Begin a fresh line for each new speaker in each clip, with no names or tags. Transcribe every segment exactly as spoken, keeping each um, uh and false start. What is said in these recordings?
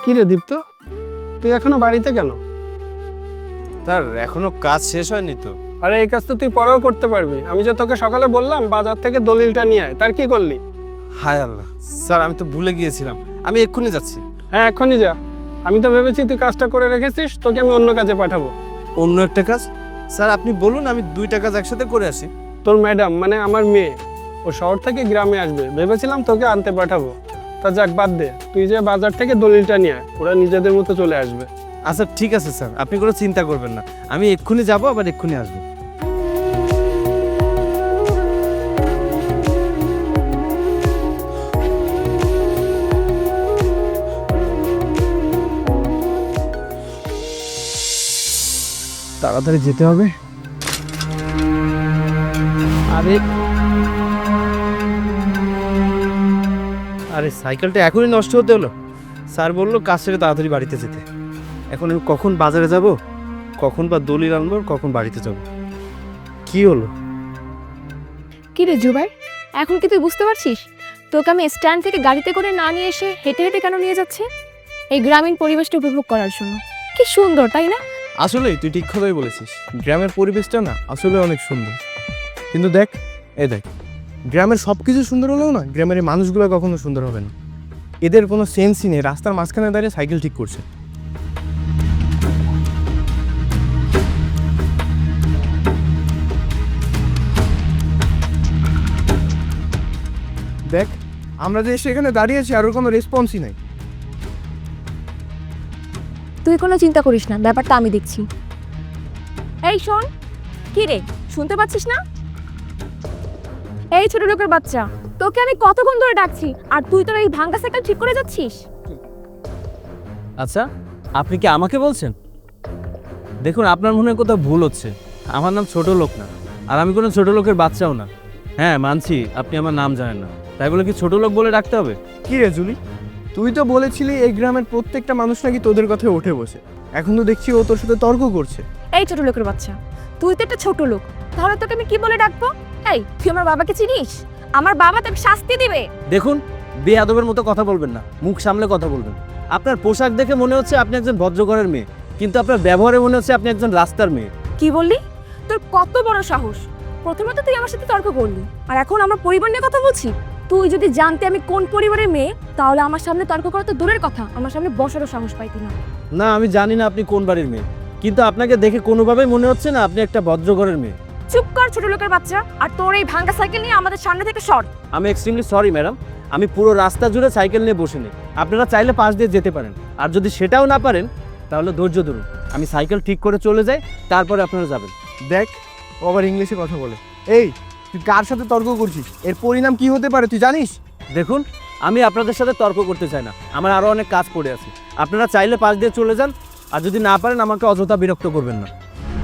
কি রে দীপ্ত, তুই এখনো বাড়িতে কেন?
স্যার এখনো কাজ শেষ হয়নি তো।
আরে এই কাজ তো তুই পরেও করতে পারবি। আমি যে তোকে সকালে বললাম বাজার থেকে দলিলটা নিয়ে আয়, তার কি করলি?
হায় আল্লাহ স্যার, আমি তো ভুলে গিয়েছিলাম। আমি এক্ষুনি যাচ্ছি।
হ্যাঁ এখনই যা। আমি তো ভেবেছি তুই কাজটা করে রেখেছিস, তোকে আমি অন্য কাজে পাঠাবো।
অন্য একটা কাজ? স্যার আপনি বলুন, আমি দুইটা কাজ একসাথে করে আসি।
তোর ম্যাডাম মানে আমার মেয়ে, ও শহর থেকে গ্রামে আসবে, ভেবেছিলাম তোকে আনতে পাঠাবো। তা যাক বাদ দে, তুই যে বাজার থেকে দলিলটা নিয়ে আয়, ওরা নিজেদের মতো চলে আসবে।
আচ্ছা ঠিক আছে স্যার, আপনি কোনো চিন্তা করবেন না। আমি এক্ষুনি যাব, আবার এক্ষুনি আসবো।
তাড়াতাড়ি যেতে হবে।
আরে আরে সাইকেলটা এখনই নষ্ট হতে হলো। স্যার বললো কাজ ছেড়ে তাড়াতাড়ি বাড়িতে যেতে। এখন আমি কখন বাজারে যাব, কখন বা দলিল আনবো, কখন বাড়িতে যাব, কি হলো?
কি রে জুবাই, এখন কি তুই বুঝতে পারছিস তোকে আমি স্ট্যান্ড থেকে গাড়িতে করে না নিয়ে এসে হেঁটে হেঁটে কেন নিয়ে যাচ্ছে? এই গ্রামীণ পরিবেশটা উপভোগ করার জন্য। কি সুন্দর তাই না?
আসলে তুই ঠিক কথাই বলেছিস, গ্রামের পরিবেশটা না আসলে অনেক সুন্দর। কিন্তু দেখ, এই দেখ, গ্রামের সব কিছু সুন্দর হলেও না গ্রামের এই মানুষগুলো কখনো সুন্দর হবে না। এদের কোনো সেন্সই নেই, রাস্তার মাঝখানে দাঁড়িয়ে সাইকেল ঠিক করছে। দেখ, আমরা যে সেখানে দাঁড়িয়েছি আর ওর কোনো রেসপন্সই নাই।
তুই কোনো চিন্তা করিস না, ব্যাপারটা আমি দেখছি। এই শোন, কি রে শুনতে পাচ্ছিস না? এই ছোট লোকের বাচ্চা, তোকে আমি কতক্ষণ ধরে ডাকছি আর তুই তোর এই ভাঙ্গা সাইকেল ঠিক করে যাচ্ছিস?
আচ্ছা আপনি কি আমাকে বলছেন? দেখুন আপনার মনে হয় কোথাও ভুল হচ্ছে। আমার নাম ছোট লোক না, আর আমি কোনো ছোট লোকের বাচ্চাও না। হ্যাঁ মানছি আপনি আমার নাম জানেন না, তাই বলে কি ছোট লোক বলে ডাকতে হবে?
কি রে জুলি, তুই তো বলেছিলি এই গ্রামের প্রত্যেকটা মানুষ নাকি তোদের কথায় উঠে বসে। এখন তো দেখছি ও তোর সাথে তর্ক করছে।
এই ছোট লোকের বাচ্চা, তুই তো একটা ছোট লোক, তাহলে তোকে আমি কি বলে ডাকবো? এই তুই আমার বাবাকে চিনিস? আমার বাবা তোকে শাস্তি দিবে।
দেখুন বেয়াদবের মতো কথা বলবেন না, মুখ সামলে কথা বলবেন। আপনার পোশাক দেখে মনে হচ্ছে আপনি একজন ভদ্রঘরের মেয়ে, কিন্তু আপনার ব্যবহারে মনে হচ্ছে আপনি একজন রাস্তার মেয়ে।
কি বললি? তোর কত বড় সাহস! প্রথমে তো তুই আমার সাথে তর্ক করলি, আর এখন আমার পরিবার নিয়ে কথা বলছি। তুই যদি জানতে আমি কোন পরিবারের মেয়ে, তাহলে আমার সামনে তর্ক করা তো দূরের কথা, আমার সামনে বসারও সাহস পাইতি না।
না আমি জানি না আপনি কোন বাড়ির মেয়ে, কিন্তু আপনাকে দেখে কোনোভাবেই মনে হচ্ছে না আপনি একটা ভদ্রঘরের মেয়ে।
চুপ কর ছোট লোকের বাচ্চা, আর তোর এই ভাঙ্গা সাইকেল নিয়ে আমাদের সামনে থেকে সর।
আমি এক্সট্রিমলি সরি ম্যাডাম, আমি পুরো রাস্তা জুড়ে সাইকেল নিয়ে বসে নেই। আপনারা চাইলে পাশ দিয়ে যেতে পারেন, আর যদি সেটাও না পারেন তাহলে ধৈর্য ধরুন, আমি সাইকেল ঠিক করে চলে যাই, তারপরে আপনারা যাবেন।
দেখ, ও আবার ইংলিশে কথা বলে। এই, তুই কার সাথে তর্ক করছিস? এর পরিণাম কি হতে পারে তুই জানিস?
দেখুন আমি আপনাদের সাথে তর্ক করতে চাই না, আমার আরও অনেক কাজ পড়ে আছে। আপনারা চাইলে পাশ দিয়ে চলে যান, আর যদি না পারেন আমাকে অযথা বিরক্ত করবেন না।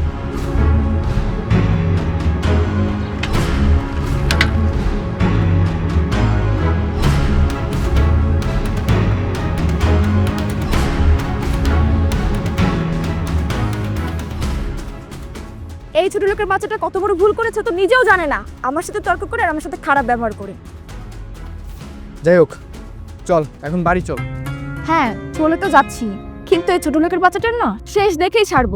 এই ছোট লোকের বাচ্চাটা কত বড় ভুল করেছে তো নিজেও জানে না, আমার সাথে তর্ক করে আর আমার সাথে খারাপ ব্যবহার করে।
যাই হোক, চল এখন বাড়ি চল।
হ্যাঁ চলে তো যাচ্ছি, কিন্তু এই ছোট লোকের বাচ্চাটার না শেষ দেখেই ছাড়বো।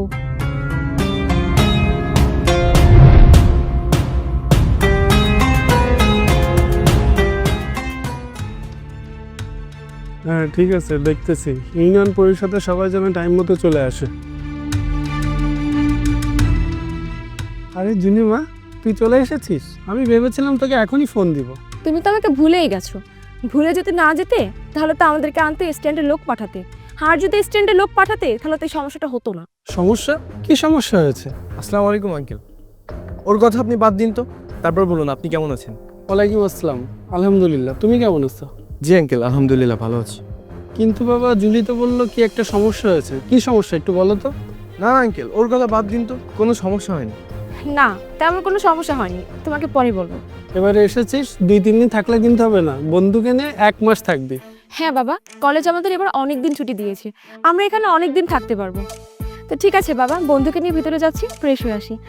হ্যাঁ ঠিক আছে, দেখতেছি। ইউনিয়ন পরিষদের সবাই যেন টাইম মতো চলে আসে। আরে জুনিমা, তুই চলে এসেছিস? আমি ভেবেছিলাম তোকে এখনই ফোন দিব।
তুমি তো আমাকে ভুলেই গেছো। ভুলে যদি না যেতে তাহলে তো আমাদেরকে আনতে স্ট্যান্ডে লোক পাঠাতে, আর যদি স্ট্যান্ডে লোক পাঠাতে তাহলে তো এই সমস্যাটা হতো না।
সমস্যা? কি সমস্যা হয়েছে?
আসসালামু আলাইকুম আঙ্কেল। ওর কথা আপনি বাদ দিন তো, তারপর বলুন আপনি কেমন আছেন।
ওয়ালাইকুম আসসালাম, আলহামদুলিল্লাহ। তুমি কেমন আছো?
জি আঙ্কেল, আলহামদুলিল্লাহ ভালো আছি।
কিন্তু বাবা, জুলি তো বললো কি একটা সমস্যা হয়েছে। কি সমস্যা একটু বলো তো।
না আঙ্কেল, ওর কথা বাদ দিন তো, কোনো সমস্যা হয়নি।
না তেমন কোনো সমস্যা হয়নি, তোমাকে পরে বলবো।
এবারে এসেছিস, দুই তিন দিন থাকলে কিন্তু হবে না, বন্ধুকে নিয়ে এক মাস থাকবি।
হ্যাঁ বাবা, কলেজ আমাদের এবার অনেক দিন ছুটি দিয়েছে, আমরা এখানে অনেক দিন থাকতে পারবো। তো ঠিক আছে বাবা, বন্ধুকে নিয়ে ভিতরে যাচ্ছি, ফ্রেশ হয়ে আসি।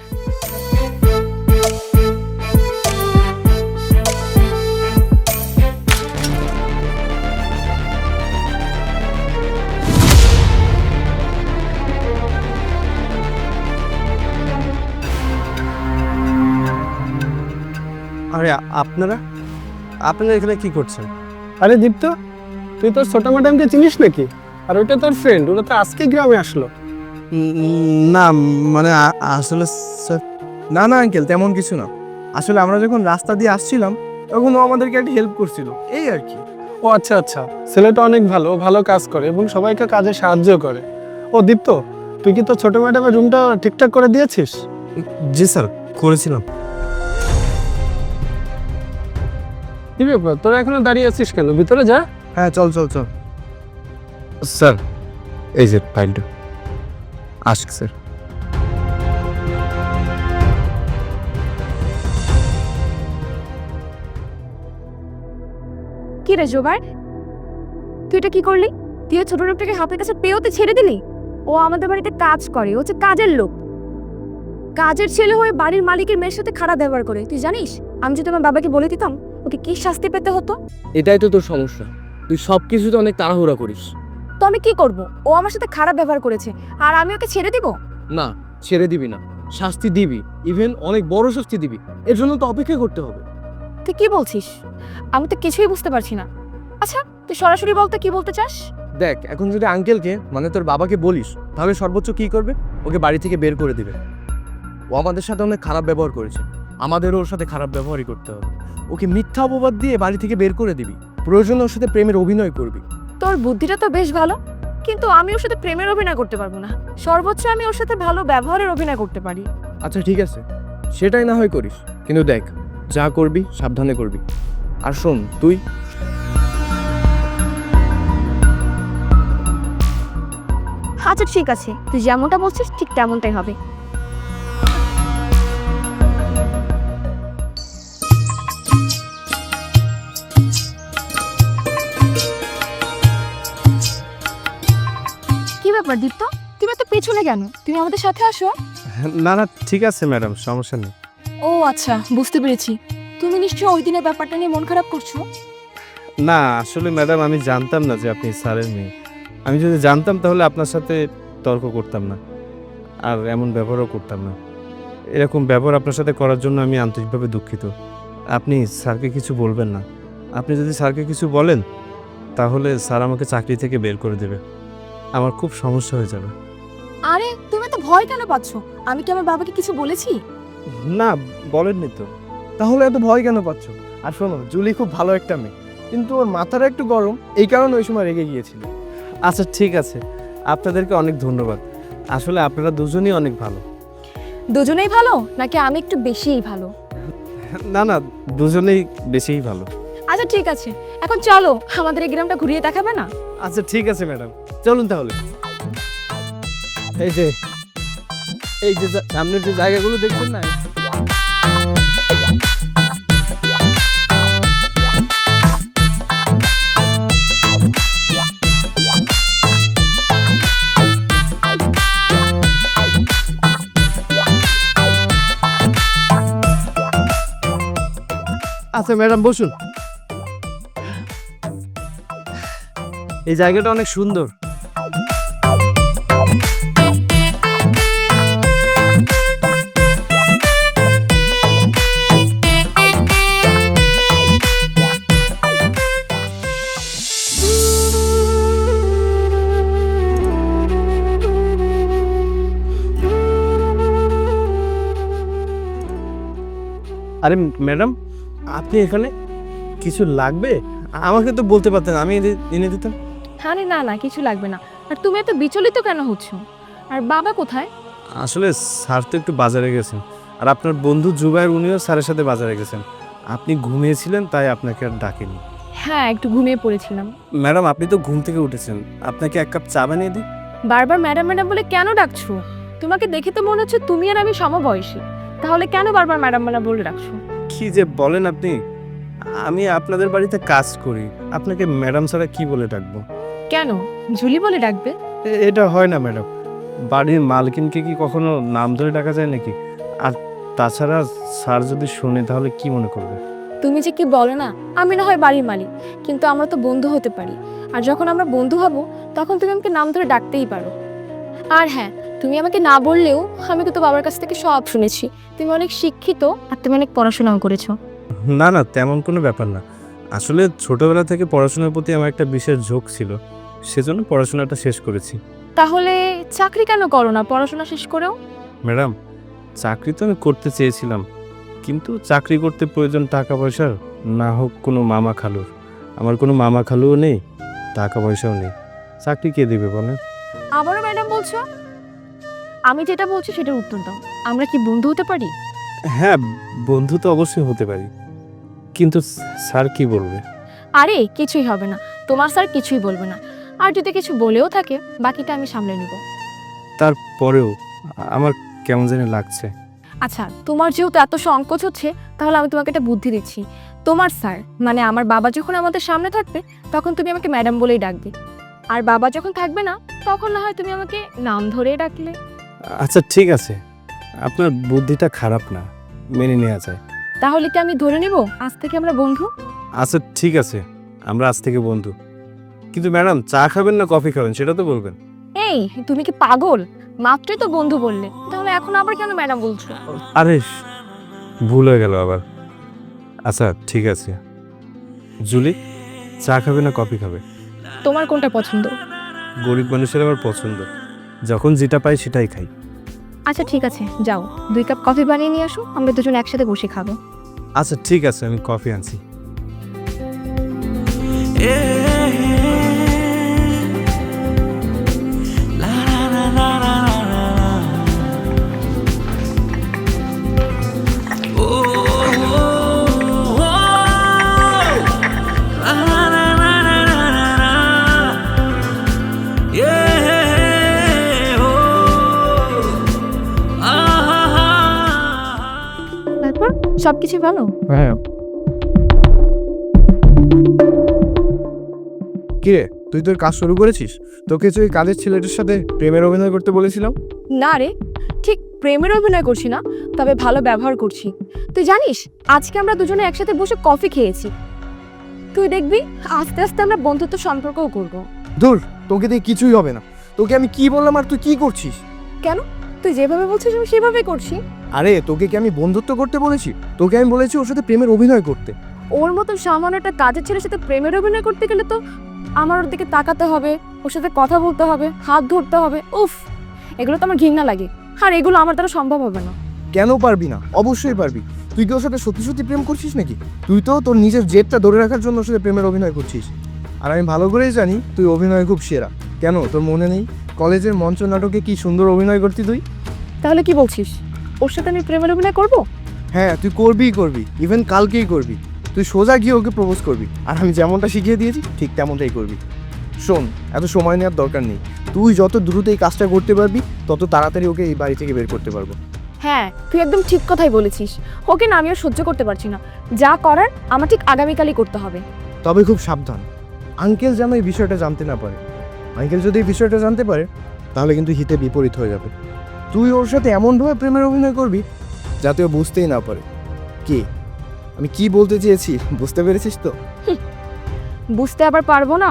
আরে আপনারা আপনারা এখানে কি করছেন?
আরে দীপ্ত, তুই তোর ছোট ম্যাডামকে চিনিস নাকি? আর ওটা তোর ফ্রেন্ড, ওরা তো আজকে গ্রামে আসলো।
না মানে আসলে স্যার,
না না আঙ্কেল, তেমন কিছু না। আসলে আমরা যখন রাস্তা দিয়ে আসছিলাম তখন ও আমাদেরকে একটা হেল্প করছিল, এই আর কি।
ও আচ্ছা আচ্ছা, ছেলেটা অনেক ভালো, ও ভালো কাজ করে এবং সবাইকে কাজে সাহায্য করে। ও দীপ্ত, তুই কি তোর ছোট ম্যাডামের রুমটা ঠিকঠাক করে দিয়েছিস?
জি স্যার, করেছিলাম।
কি ব্যাপার, তোরা এখনো দাঁড়িয়ে আছিস কেন? ভিতরে যা।
হ্যাঁ চল চল চল।
স্যার এই যে ফাইলটা আশিক স্যার।
কি রে জোবার, তুই এটা কি করলি? তুই ওই ছোট লোকটাকে হাতের কাছে পেয়েও তুই ছেড়ে দিলি? ও আমাদের বাড়িতে কাজ করে, ও হচ্ছে কাজের লোক। কাজের ছেলে হয়ে বাড়ির মালিকের মেয়ের সাথে খারাপ ব্যবহার করে, তুই জানিস? আমি যদি আমার বাবাকে বলে দিতাম ওকে কি শাস্তি পেতে হতো।
এটাই তো তোর সমস্যা, তুই সব কিছুতে অনেক তাড়াহুড়া করিস।
তো আমি কি করব? ও আমার সাথে খারাপ ব্যবহার করেছে আর আমি ওকে ছেড়ে দিব?
না, ছেড়ে দিবি না, শাস্তি দিবি, ইভেন অনেক বড় শাস্তি দিবি। এর জন্য তো অপেক্ষা করতে হবে।
তুই কি বলছিস? আমি তো কিছুই বুঝতে পারছি না। আচ্ছা তুই সরাসরি বলতে কি বলতে চাস?
দেখ, এখন যদি আঙ্কেলকে মানে তোর বাবাকে বলিস তাহলে সর্বোচ্চ কি করবে? ওকে বাড়ি থেকে বের করে দিবে। ও আমাদের সাথে অনেক খারাপ ব্যবহার করেছে, আমাদেরও ওর সাথে খারাপ ব্যবহারই করতে হবে। ওকে মিথ্যা অপবাদ দিয়ে বাড়ি থেকে বের করে দিবি, প্রয়োজনে ওর সাথে প্রেমের অভিনয় করবি।
তোর বুদ্ধিটা তো বেশ ভালো, কিন্তু আমি ওর সাথে প্রেমের অভিনয় করতে পারবো না। সর্বোচ্চ আমি ওর সাথে ভালো ব্যবহারের অভিনয় করতে পারি।
আচ্ছা ঠিক আছে, সেটাই না হয় করিস, কিন্তু দেখ যা করবি সাবধানে করবি। আর শোন, তুই
আচ্ছা ঠিক আছে, তুই যেমনটা বলছিস ঠিক তেমনটাই হবে। কি ব্যাপার দীপ্ত, তুমি এত পেছনে কেন? তুমি আমাদের সাথে আসো।
না না ঠিক আছে ম্যাডাম, সমস্যা নেই।
ও আচ্ছা, বুঝতে পেরেছি। তুমি নিশ্চয়ই ওই দিনের ব্যাপারটা নিয়ে মন খারাপ করছো।
না আসলে ম্যাডাম, আমি জানতাম না যে আপনি স্যারের মেয়ে। আমি যদি জানতাম তাহলে আপনার সাথে তর্ক করতাম না, আর এমন ব্যবহারও করতাম না। এরকম ব্যবহার আপনার সাথে করার জন্য আমি আন্তরিকভাবে দুঃখিত। আপনি স্যারকে কিছু বলবেন না। আপনি যদি স্যারকে কিছু বলেন তাহলে স্যার আমাকে চাকরি থেকে বের করে দেবে, আমার খুব সমস্যা হয়ে যাবে।
আরে তুমি এত ভয় কেন পাচ্ছ? আমি কি আমার বাবাকে কিছু বলেছি?
না বলেননি তো।
তাহলে এত ভয় কেন পাচ্ছ? আর শোনো, জুলি খুব ভালো একটা মেয়ে, কিন্তু ওর মাথাটা একটু গরম, এই কারণে ওই সময় রেগে গিয়েছিল।
আচ্ছা ঠিক আছে, আপনাদেরকে অনেক ধন্যবাদ। আসলে আপনারা দুজনই অনেক ভালো।
দুজনেই ভালো নাকি আমি একটু বেশিই ভালো?
না না, দুজনেই বেশিই ভালো।
আচ্ছা ঠিক আছে, এখন চলো আমাদের এই গ্রামটা ঘুরিয়ে দেখাবে না?
আচ্ছা ঠিক আছে ম্যাডাম, চলুন তাহলে। এই যে এই যে যা- সামনের যে জায়গাগুলো দেখছেন না,
আচ্ছা ম্যাডাম বসুন।
এই জায়গাটা অনেক সুন্দর। আরে ম্যাডাম, আপনি এখানে কিছু লাগবে? আমাকে তো বলতে পারতেন, আমি এনে- এনে দিতাম।
আরে না না, কিছু লাগবে না। আর তুমি এত বিচলিত কেন হচ্ছ? আর বাবা কোথায়?
আসলে স্যার তো একটু বাজারে গেছেন, আর আপনার বন্ধু জুবাইর উনিও স্যারের সাথে বাজারে গেছেন। আপনি ঘুমিয়েছিলেন তাই আপনাকে আর ডাকেনি।
হ্যাঁ একটু ঘুমিয়ে পড়েছিলাম।
ম্যাডাম আপনি তো ঘুম থেকে উঠেছেন, আপনাকে এক কাপ চা বানিয়ে দিই?
বারবার ম্যাডাম ম্যাডাম বলে কেন ডাকছো? তোমাকে দেখে তো মনে হচ্ছে তুমি আর আমি সমবয়সী, তাহলে কেন বারবার ম্যাডাম ম্যাডাম বলে ডাকছো?
কি যে বলেন আপনি, আমি আপনাদের বাড়িতে কাজ করি, আপনাকে ম্যাডাম ছাড়া কি বলে ডাকবো?
কেন, ঝুলি বলে ডাকবে?
এ- এটা হয় না ম্যাডাম, বাড়ির মালকিনকে কি কখনো নাম ধরে ডাকা যায় নাকি? আর তাছাড়া স্যার যদি শুনে তাহলে কি মনে করবে?
তুমি যে কি বলো না, আমি না হয় বাড়ির মালিক, কিন্তু আমরা তো বন্ধু হতে পারি। আর যখন আমরা বন্ধু হব তখন তুমি আমাকে নাম ধরে ডাকতেই পারো। আর হ্যাঁ, তুমি আমাকে না বললেও আমি কিন্তু বাবার কাছ থেকে সব শুনেছি। তুমি অনেক শিক্ষিত আর তুমি অনেক পড়াশোনাও করেছো।
না না, তেমন কোনো ব্যাপার না। আসলে ছোটবেলা থেকে পড়াশোনার প্রতি আমার একটা বিশেষ ঝোঁক ছিল, সেজন্য পড়াশোনাটা শেষ করেছি।
তাহলে চাকরি কেন করো না পড়াশোনা শেষ করেও?
ম্যাডাম, চাকরি তো আমি করতে চেয়েছিলাম, কিন্তু চাকরি করতে প্রয়োজন টাকা পয়সার, না হোক কোনো মামা খালুর। আমার কোনো মামা খালুও নেই, টাকা পয়সাও নেই, চাকরি কে দেবে বলেন?
আবারও ম্যাডাম বলছো? আমি যেটা বলছি সেটার উত্তর দাও। আমরা কি বন্ধু হতে পারি?
হ্যাঁ, বন্ধু তো অবশ্যই হতে পারি, কিন্তু স্যার কি বলবে?
আরে কিছুই হবে না, তোমার স্যার কিছুই বলবে না। আর যদি কিছু বলেও থাকে বাকিটা আমি সামলে নিব।
তারপরেও আমার কেমন জানি লাগছে।
আচ্ছা, তোমার যেহেতু এত সংকোচ হচ্ছে, তাহলে আমি তোমাকে একটা বুদ্ধি দিচ্ছি। তোমার স্যার মানে আমার বাবা যখন আমাদের সামনে থাকবে তখন তুমি আমাকে ম্যাডাম বলেই ডাকবে, আর বাবা যখন থাকবে না তখন না হয় তুমি আমাকে নাম ধরেই ডাকলে।
আচ্ছা ঠিক আছে, আপনার বুদ্ধিটা খারাপ না, মেনে নেওয়া যায়।
তাহলে কি আমি ধরে নেব আজ থেকে আমরা বন্ধু?
আচ্ছা ঠিক আছে, আমরা আজ থেকে বন্ধু। কিন্তু ম্যাডাম, চা খাবেন না কফি খাবেন সেটা তো বলবেন।
এই তুমি কি পাগল? মাত্রই তো বন্ধু বললে, তাহলে এখন আবার কেন ম্যাডাম বলছো?
আরে ভুল হয়ে গেল আবার। আচ্ছা ঠিক আছে, জুলি, চা খাবে না কফি খাবে?
তোমার কোনটা পছন্দ?
গরিব মানুষের আমার পছন্দ, যখন যেটা পাই সেটাই খাই।
আচ্ছা ঠিক আছে, যাও দুই কাপ কফি বানিয়ে নিয়ে আসো, আমরা দুজন একসাথে বসে খাবো।
আচ্ছা ঠিক আছে, আমি কফি আনছি।
তারপর সবকিছু ভালো?
হ্যাঁ। কিরে, তুই তোর কাজ শুরু করেছিস? তোকে যে ওই কাজের ছেলেটার সাথে প্রেমের অভিনয় করতে বলেছিলাম।
না রে, ঠিক প্রেমের অভিনয় করছি না, তবে ভালো ব্যবহার করছি। তুই জানিস আজকে আমরা দুজনে একসাথে বসে কফি খেয়েছি। তুই দেখবি আস্তে আস্তে আমরা বন্ধুত্ব সম্পর্কও করব।
ধুর, তোকে দিয়ে কিছুই হবে না। তোকে আমি কি বললাম আর তুই কি করছিস?
কেন? তুই যেভাবে বলছিস আমি সেভাবেই করছি।
আরে তোকে কি আমি বন্ধুত্ব করতে বলেছি? তোকে আমি বলেছি ওর সাথে প্রেমের অভিনয় করতে।
ওর মতো সামান্য একটা কাজের ছেলের সাথে প্রেমের অভিনয় করতে গেলে তো আমার ওর দিকে তাকাতে হবে, ওর সাথে কথা বলতে হবে, হাত ধরতে হবে। উফ, এগুলো তো আমার ঘৃণা লাগে, আর এগুলো আমার দ্বারা সম্ভব হবে না।
কেন পারবি না? অবশ্যই পারবি। তুই কি ওর সাথে সত্যি সত্যি প্রেম করছিস নাকি? তুই তো তোর নিজের জেদটা ধরে রাখার জন্য ওর সাথে প্রেমের অভিনয় করছিস। আর আমি ভালো করেই জানি তুই অভিনয় খুব সেরা। কেন তোর মনে নেই কলেজের মঞ্চ নাটকে কি সুন্দর অভিনয় করতি তুই?
তাহলে কি বলছিস, ওর সাথে আমি প্রেমের অভিনয় করব?
হ্যাঁ, তুই করবিই করবি, ইভেন কালকেই করবি। তুই সোজা গিয়ে ওকে প্রপোজ করবি, আর আমি যেমনটা শিখিয়ে দিয়েছি ঠিক তেমনটাই করবি। শোন, এত সময় নেওয়ার দরকার নেই। তুই যত দ্রুত এই কাজটা করতে পারবি তত তাড়াতাড়ি ওকে এই বাড়ি থেকে বের করতে পারবো।
হ্যাঁ, তুই একদম ঠিক কথাই বলেছিস। ওকে না আমি আর সহ্য করতে পারছি না। যা করার আমার ঠিক আগামীকালই করতে হবে।
তবে খুব সাবধান, আঙ্কেল যেন এই বিষয়টা জানতে না পারে। আঙ্কেল যদি এই বিষয়টা জানতে পারে তাহলে কিন্তু হিতে বিপরীত হয়ে যাবে। তুই ওর সাথে এমনভাবে প্রেমের অভিনয় করবি যাতে ও বুঝতেই না পারে। কি আমি কি বলতে চেয়েছি বুঝতে পেরেছিস তো?
বুঝতে আবার পারবো না?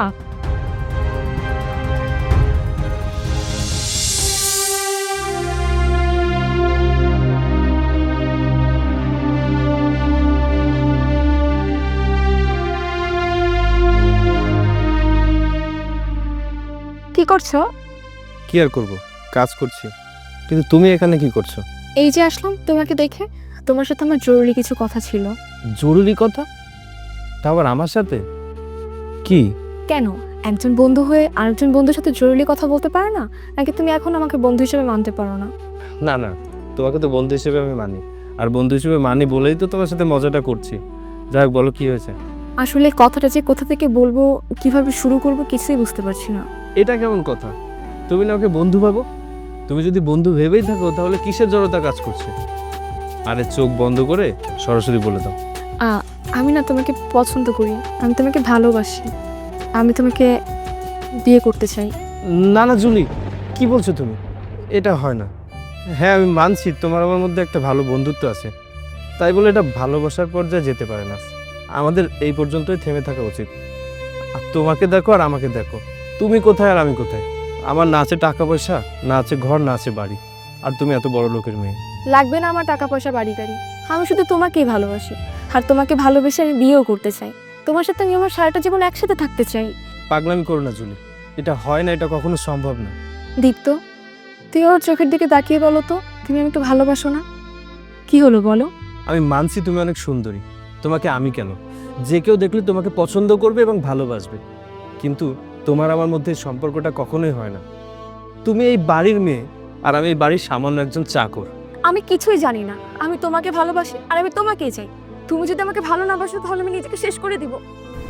কি করছো?
কি আর করব, কাজ করছি। কিন্তু তুমি এখানে কি করছো?
এই যে আসলাম তোমাকে দেখে। তোমার সাথে আমার জরুরি কিছু কথা ছিল।
জরুরি কথা? তা আবার আমার সাথে? কি?
কেন, একজন বন্ধু হয়ে আরেকজন বন্ধুর সাথে জরুরি কথা বলতে পারে না? নাকি তুমি এখন আমাকে বন্ধু হিসেবে মানতে পারো না?
না না, তোমাকে তো বন্ধু হিসেবে আমি মানি, আর বন্ধু হিসেবে মানি বলেই তো তোমার সাথে মজাটা করছি। যাই হোক, বলো কি হয়েছে?
আসলে কথাটা যে কোথা থেকে বলবো, কিভাবে শুরু করবো কিছুই বুঝতে পারছি না।
এটা কেমন কথা? তুমি না ওকে বন্ধু ভাবো? তুমি যদি বন্ধু ভেবেই থাকো তাহলে কিসের জড়তা কাজ করছে? আরে চোখ বন্ধ করে সরাসরি বলে দাও।
আ, আমি না তোমাকে পছন্দ করি, আমি তোমাকে ভালোবাসি, আমি তোমাকে বিয়ে করতে চাই।
না না জুলি, কি বলছো তুমি? এটা হয় না। হ্যাঁ আমি মানছি তোমার আমার মধ্যে একটা ভালো বন্ধুত্ব আছে, তাই বলে এটা ভালোবাসার পর্যায়ে যেতে পারে না। আমাদের এই পর্যন্তই থেমে থাকা উচিত। আর তোমাকে দেখো আর আমাকে দেখো, তুমি কোথায় আর আমি কোথায়। আমার না আছে টাকা পয়সা, না আছে ঘর, না আছে বাড়ি, আর তুমি এত বড় লোকের মেয়ে।
লাগবে না আমার টাকা পয়সা বাড়ি গাড়ি, আমি শুধু তোমাকেই ভালোবাসি। আর তোমাকে ভালোবেসে আমি বিয়েও করতে চাই। তোমার সাথে আমি আমার সারাটা জীবন একসাথে থাকতে চাই।
পাগলামি করো না জুলি, এটা হয় না, এটা কখনো সম্ভব না।
দীপ্ত, তুই ওর চোখের দিকে তাকিয়ে বলো তো, তুমি আমাকে ভালোবাসো না? কি হলো বলো?
আমি মানছি তুমি অনেক সুন্দরী, তোমাকে আমি কেন, যে কেউ দেখলে তোমাকে পছন্দ করবে এবং ভালোবাসবে, কিন্তু তোমার আমার মধ্যে এই সম্পর্কটা কখনোই হয় না। তুমি এই বাড়ির মেয়ে আর আমি এই বাড়ির সামান্য একজন চাকর।
আমি কিছুই জানি না, আমি তোমাকে ভালোবাসি আর আমি তোমাকেই চাই। তুমি যদি আমাকে ভালো না বাসো তাহলে আমি নিজেকে শেষ করে দিব।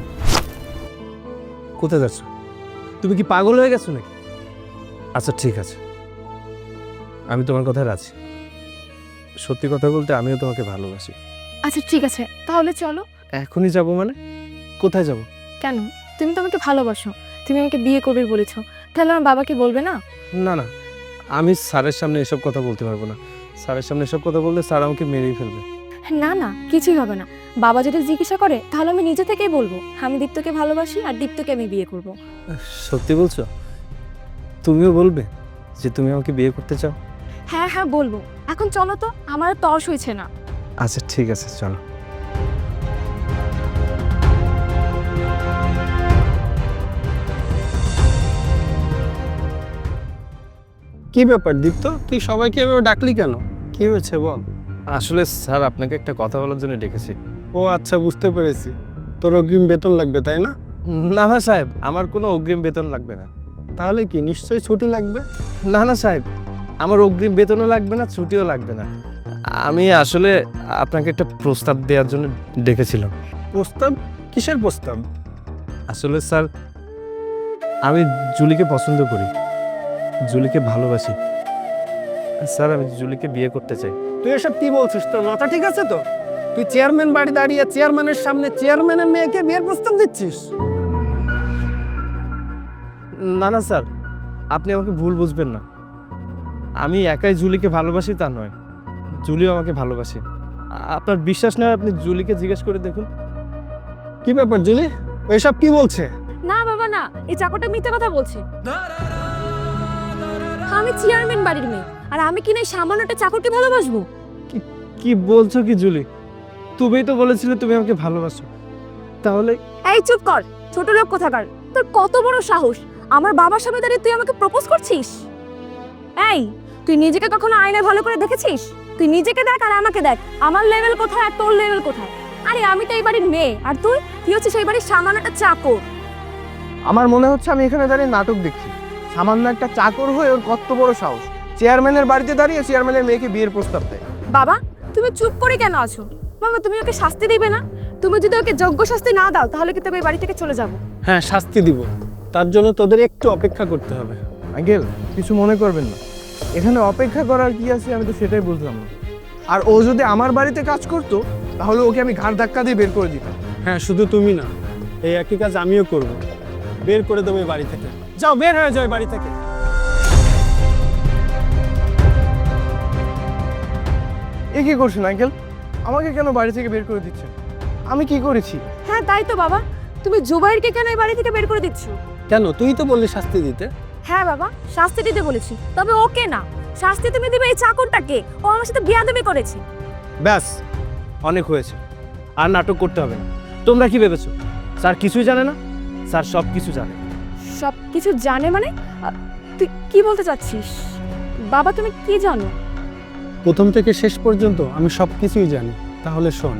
কোথায় যাচ্ছ? তুমি কি পাগল হয়ে গেছো নাকি? আচ্ছা ঠিক আছে, আমি তোমার কথায় রাজি। সত্যি কথা বলতে আমিও তোমাকে ভালোবাসি।
আচ্ছা ঠিক আছে, তাহলে চলো।
এখনই যাব মানে? কোথায় যাব?
কেন? তুমি তো আমাকে ভালোবাসো, তুমি আমাকে বিয়ে করবে বলেছো, তাহলে আমার বাবাকে বলবে না?
না না, আমি স্যারের সামনে এসব কথা বলতে পারবো না। স্যারের সামনে এসব কথা বললে স্যার আমাকে মেরেই ফেলবে।
না না, কিছুই হবে না। বাবা যদি জিজ্ঞাসা করে তাহলে আমি নিজে থেকেই বলবো আমি দীপ্তকে ভালোবাসি আর দীপ্তকে আমি বিয়ে করব।
সত্যি বলছো? তুমিও বলবে যে তুমি আমাকে বিয়ে করতে চাও?
হ্যাঁ হ্যাঁ বলবো। এখন চলো তো, আমার আর তর্স হয়েছে না।
আচ্ছা ঠিক আছে, চলো।
কি ব্যাপার দীপ্ত, তুই সবাইকে এভাবে ডাকলি কেন? কি হয়েছে বল।
আসলে স্যার আপনাকে একটা কথা বলার জন্য ডেকেছি।
ও আচ্ছা, বুঝতে পেরেছি। তোর অগ্রিম বেতন লাগবে তাই না?
না না সাহেব, আমার কোনো অগ্রিম বেতন লাগবে না।
তাহলে কি নিশ্চয়ই ছুটি লাগবে?
না না সাহেব, আমার অগ্রিম বেতনও লাগবে না, ছুটিও লাগবে না। আমি আসলে আপনাকে একটা প্রস্তাব দেওয়ার জন্য ডেকেছিলাম।
প্রস্তাব? কিসের প্রস্তাব?
আসলে স্যার, আমি জুলিকে পছন্দ করি, জুলিকে ভালোবাসি। স্যার আমি জুলিকে বিয়ে করতে চাই।
তুই এসব কি বলছিস? তোর মাথা ঠিক আছে তো? তুই চেয়ারম্যান বাড়ি দাঁড়িয়ে চেয়ারম্যানের সামনে চেয়ারম্যানের মেয়েকে বিয়ের প্রস্তাব দিচ্ছিস?
না না স্যার, আপনি আমাকে ভুল বুঝবেন না। আমি একাই জুলিকে ভালোবাসি তা নয়, জুলিও আমাকে ভালোবাসে। আপনার বিশ্বাস নয়, আপনি জুলিকে জিজ্ঞেস করে দেখুন।
কি ব্যাপার জুলি, ও এসব কি বলছে?
না বাবা না, এই চাকরটা মিথ্যে কথা বলছে। আমি চেয়ারম্যান বাড়ির মেয়ে আর আমি কিনা এই সামান্য একটা চাকরকে ভালোবাসবো?
কি বলছো কি জুলি? তুমিই তো বলেছিলে তুমি আমাকে ভালোবাসো, তাহলে?
এই চুপ কর, ছোট লোক কোথাকার। তোর কত বড় সাহস, আমার বাবার সামনে দাঁড়িয়ে তুই আমাকে প্রপোজ করছিস? এই, তুই নিজেকে কখনো আয়নায় ভালো করে দেখেছিস? তুই নিজেকে দেখ আর আমাকে দেখ, আমার লেভেল কোথায় আর তোর লেভেল কোথায়। আরে আমি তো এই বাড়ির মেয়ে আর তুই তুই হচ্ছে সেই বাড়ির সামান্য একটা চাকর।
আমার মনে হচ্ছে আমি এখানে দাঁড়িয়ে নাটক দেখছি। সামান্য একটা চাকর হয়ে ওর কত বড় সাহস, চেয়ারম্যানের বাড়িতে দাঁড়িয়ে চেয়ারম্যানের মেয়েকে বিয়ের প্রস্তাব দেয়।
বাবা, তুমি চুপ করে কেন আছো? বাবা, তুমি ওকে শাস্তি দিবে না? তুমি যদি ওকে যোগ্য শাস্তি না দাও তাহলে কিন্তু আমি এই বাড়ি থেকে চলে যাব।
হ্যাঁ, শাস্তি দিব, তার জন্য তোদের একটু অপেক্ষা করতে হবে।
আঙ্কেল কিছু মনে করবেন না, এখানে অপেক্ষা করার কি আছে আমি তো সেটাই বুঝলাম না। আর ও যদি আমার বাড়িতে কাজ করতো তাহলে ওকে আমি ঘাড় ধাক্কা দিয়ে বের করে দিতাম।
হ্যাঁ, শুধু তুমি না, এই একই কাজ আমিও করব। বের করে দেবো এই বাড়ি থেকে। যাও, বের হয়ে যাও এই বাড়ি থেকে।
এ কি করছেন আঙ্কেল? আমাকে কেন বাড়ি থেকে বের করে দিচ্ছেন? আমি কি করেছি?
হ্যাঁ তাই তো বাবা, তুমি জুবাইরকে কেন এই বাড়ি থেকে বের করে দিচ্ছ?
কেন, তুই তো বললি শাস্তি দিতে।
হ্যাঁ বাবা, শাস্তি দিতে বলেছি, তবে ওকে না, শাস্তি তুমি দিবে এই চাকরটাকে। ও আমার সাথে বিয়াদবি করেছে।
ব্যাস, অনেক হয়েছে, আর নাটক করতে হবে না। তোমরা কি ভেবেছো স্যার কিছুই জানে না? স্যার সব কিছু জানে।
সব কিছু জানে মানে? আ, তুই কি বলতে চাচ্ছিস? বাবা তুমি কি জানো?
প্রথম থেকে শেষ পর্যন্ত আমি সব কিছুই জানি। তাহলে শোন।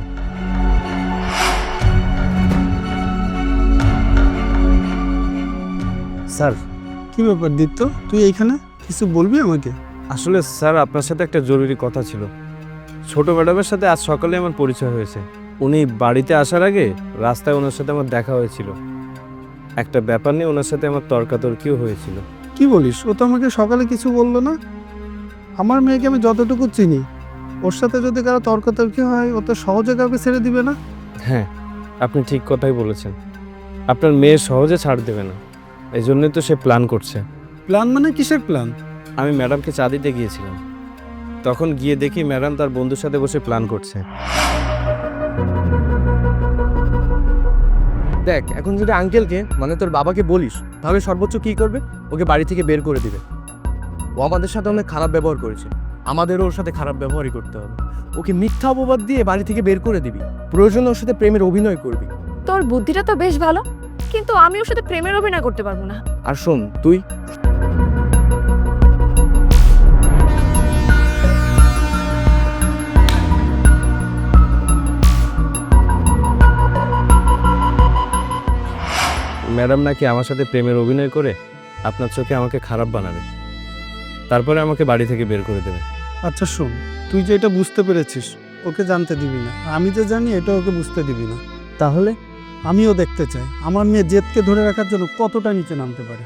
স্যার,
কি ব্যাপার দীপ্ত, তুই এইখানে কিছু বলবি আমাকে?
আসলে স্যার আপনার সাথে একটা জরুরি কথা ছিল। ছোট ম্যাডামের সাথে আজ সকালে আমার পরিচয় হয়েছে। উনি বাড়িতে আসার আগে রাস্তায় ওনার সাথে আমার দেখা হয়েছিল। একটা ব্যাপার নিয়ে ওনার সাথে আমার তর্কাতর্কিও হয়েছিল।
কি বলিস? ও তো আমাকে সকালে কিছু বললো না। আমার মেয়েকে আমি যতটুকু চিনি, ওর সাথে যদি কারো তর্কাতর্কি হয় ও তো সহজে কাউকে ছেড়ে দিবে না।
হ্যাঁ, আপনি ঠিক কথাই বলেছেন। আপনার মেয়ে সহজে ছাড় দেবে না, এই জন্যই তো সে প্ল্যান করছে।
প্ল্যান মানে কিসের প্ল্যান?
আমি ম্যাডামকে চা দিতে গিয়েছিলাম, তখন গিয়ে দেখি ম্যাডাম তার বন্ধুর সাথে বসে প্ল্যান করছে।
দেখ, এখন যদি আঙ্কেলকে মানে তোর বাবাকে বলিস তাহলে সর্বোচ্চ কি করবে? ওকে বাড়ি থেকে বের করে দিবে। ও আমাদের সাথে অনেক খারাপ ব্যবহার করেছে, আমাদেরও ওর সাথে খারাপ ব্যবহারই করতে হবে। ওকে মিথ্যা অপবাদ দিয়ে বাড়ি থেকে বের করে দিবি, প্রয়োজনে ওর সাথে প্রেমের অভিনয় করবি।
তোর বুদ্ধিটা তো বেশ ভালো, কিন্তু আমি ওর সাথে প্রেমের অভিনয় করতে পারবো না।
আর শোন, তুই
ম্যাডাম নাকি আমার সাথে প্রেমের অভিনয় করে আপনার চোখে আমাকে খারাপ বানাবে, তারপরে আমাকে বাড়ি থেকে বের করে দেবে।
আচ্ছা শোন, তুই যে এটা বুঝতে পেরেছিস ওকে জানতে দিবি না, আমি যে জানি এটা ওকে বুঝতে দিবি না।
তাহলে
আমিও দেখতে চাই আমার মেয়ে জেদকে ধরে রাখার জন্য কতটা নিচে নামতে পারে।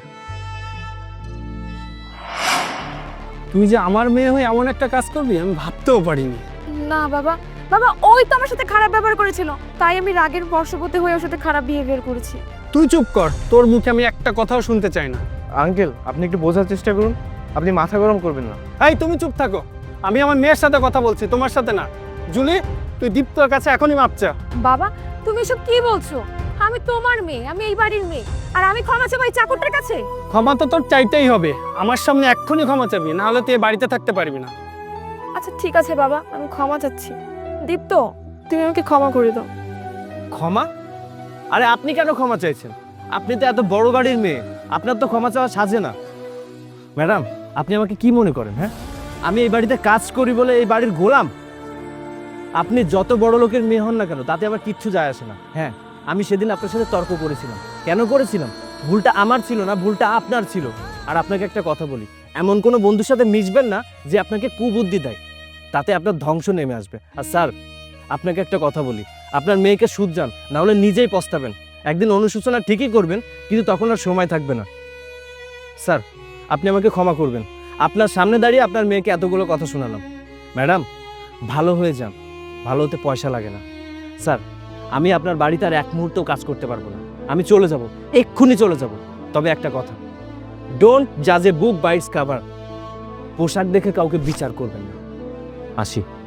তুই যে আমার মেয়ে হয়ে এমন একটা কাজ করবি আমি ভাবতেও পারিনি।
না বাবা, বাবা ওই তো আমার সাথে খারাপ ব্যবহার করেছিল, তাই আমি রাগের বশবর্তী হয়ে ওর সাথে খারাপ বিহেভিয়ার করেছি।
তুই চুপ কর, তোর মুখে আমি একটা কথাও শুনতে চাই না।
আঙ্কেল, আপনি একটু বোঝার চেষ্টা করুন, আপনি মাথা গরম করবেন না।
এই তুমি চুপ থাকো, আমি আমার মেয়ের সাথে কথা বলছি, তোমার সাথে না। জুলি, তুই দীপ্তর কাছে এখনই মাপ চা।
বাবা তুমি এসব কি বলছো? আমি তোমার মেয়ে, আমি এই বাড়ির মেয়ে, আর আমি ক্ষমা চাবো এই চাকরটার কাছে?
ক্ষমা তো তোর চাইতেই হবে, আমার সামনে এক্ষুনি ক্ষমা চাবি, না হলে তুই এ বাড়িতে থাকতে পারবি না।
আচ্ছা ঠিক আছে বাবা, আমি ক্ষমা চাচ্ছি। দীপ্ত, তুমি আমাকে ক্ষমা করে দাও।
ক্ষমা? আরে আপনি কেন ক্ষমা চাইছেন? আপনি তো এত বড় বাড়ির মেয়ে, আপনার তো ক্ষমা চাওয়া সাজে না। ম্যাডাম, আপনি আমাকে কি মনে করেন? হ্যাঁ, আমি এই বাড়িতে কাজ করি বলে এই বাড়ির গোলাম? আপনি যত বড় লোকের মেয়ে হন না কেন, তাতে আমার কিচ্ছু যায় আসে না। হ্যাঁ, আমি সেদিন আপনার সাথে তর্ক করেছিলাম। কেন করেছিলাম? ভুলটা আমার ছিল না, ভুলটা আপনার ছিল। আর আপনাকে একটা কথা বলি, এমন কোনো বন্ধুর সাথে মিশবেন না যে আপনাকে কুবুদ্ধি দেয়, তাতে আপনার ধ্বংস নেমে আসবে। আর স্যার, আপনাকে একটা কথা বলি, আপনার মেয়েকে শুধরান, না হলে নিজেই পস্তাবেন। একদিন অনুশোচনা ঠিকই করবেন, কিন্তু তখন আর সময় থাকবে না। স্যার, আপনি আমাকে ক্ষমা করবেন, আপনার সামনে দাঁড়িয়ে আপনার মেয়েকে এতগুলো কথা শোনালাম। ম্যাডাম, ভালো হয়ে যান, ভালো হতে পয়সা লাগে না। স্যার, আমি আপনার বাড়িতে আর এক মুহূর্তও কাজ করতে পারবো না, আমি চলে যাব, এক্ষুনি চলে যাব। তবে একটা কথা, ডোন্ট জাজ a book by its cover. পোশাক দেখে কাউকে বিচার করবেন না। আসি।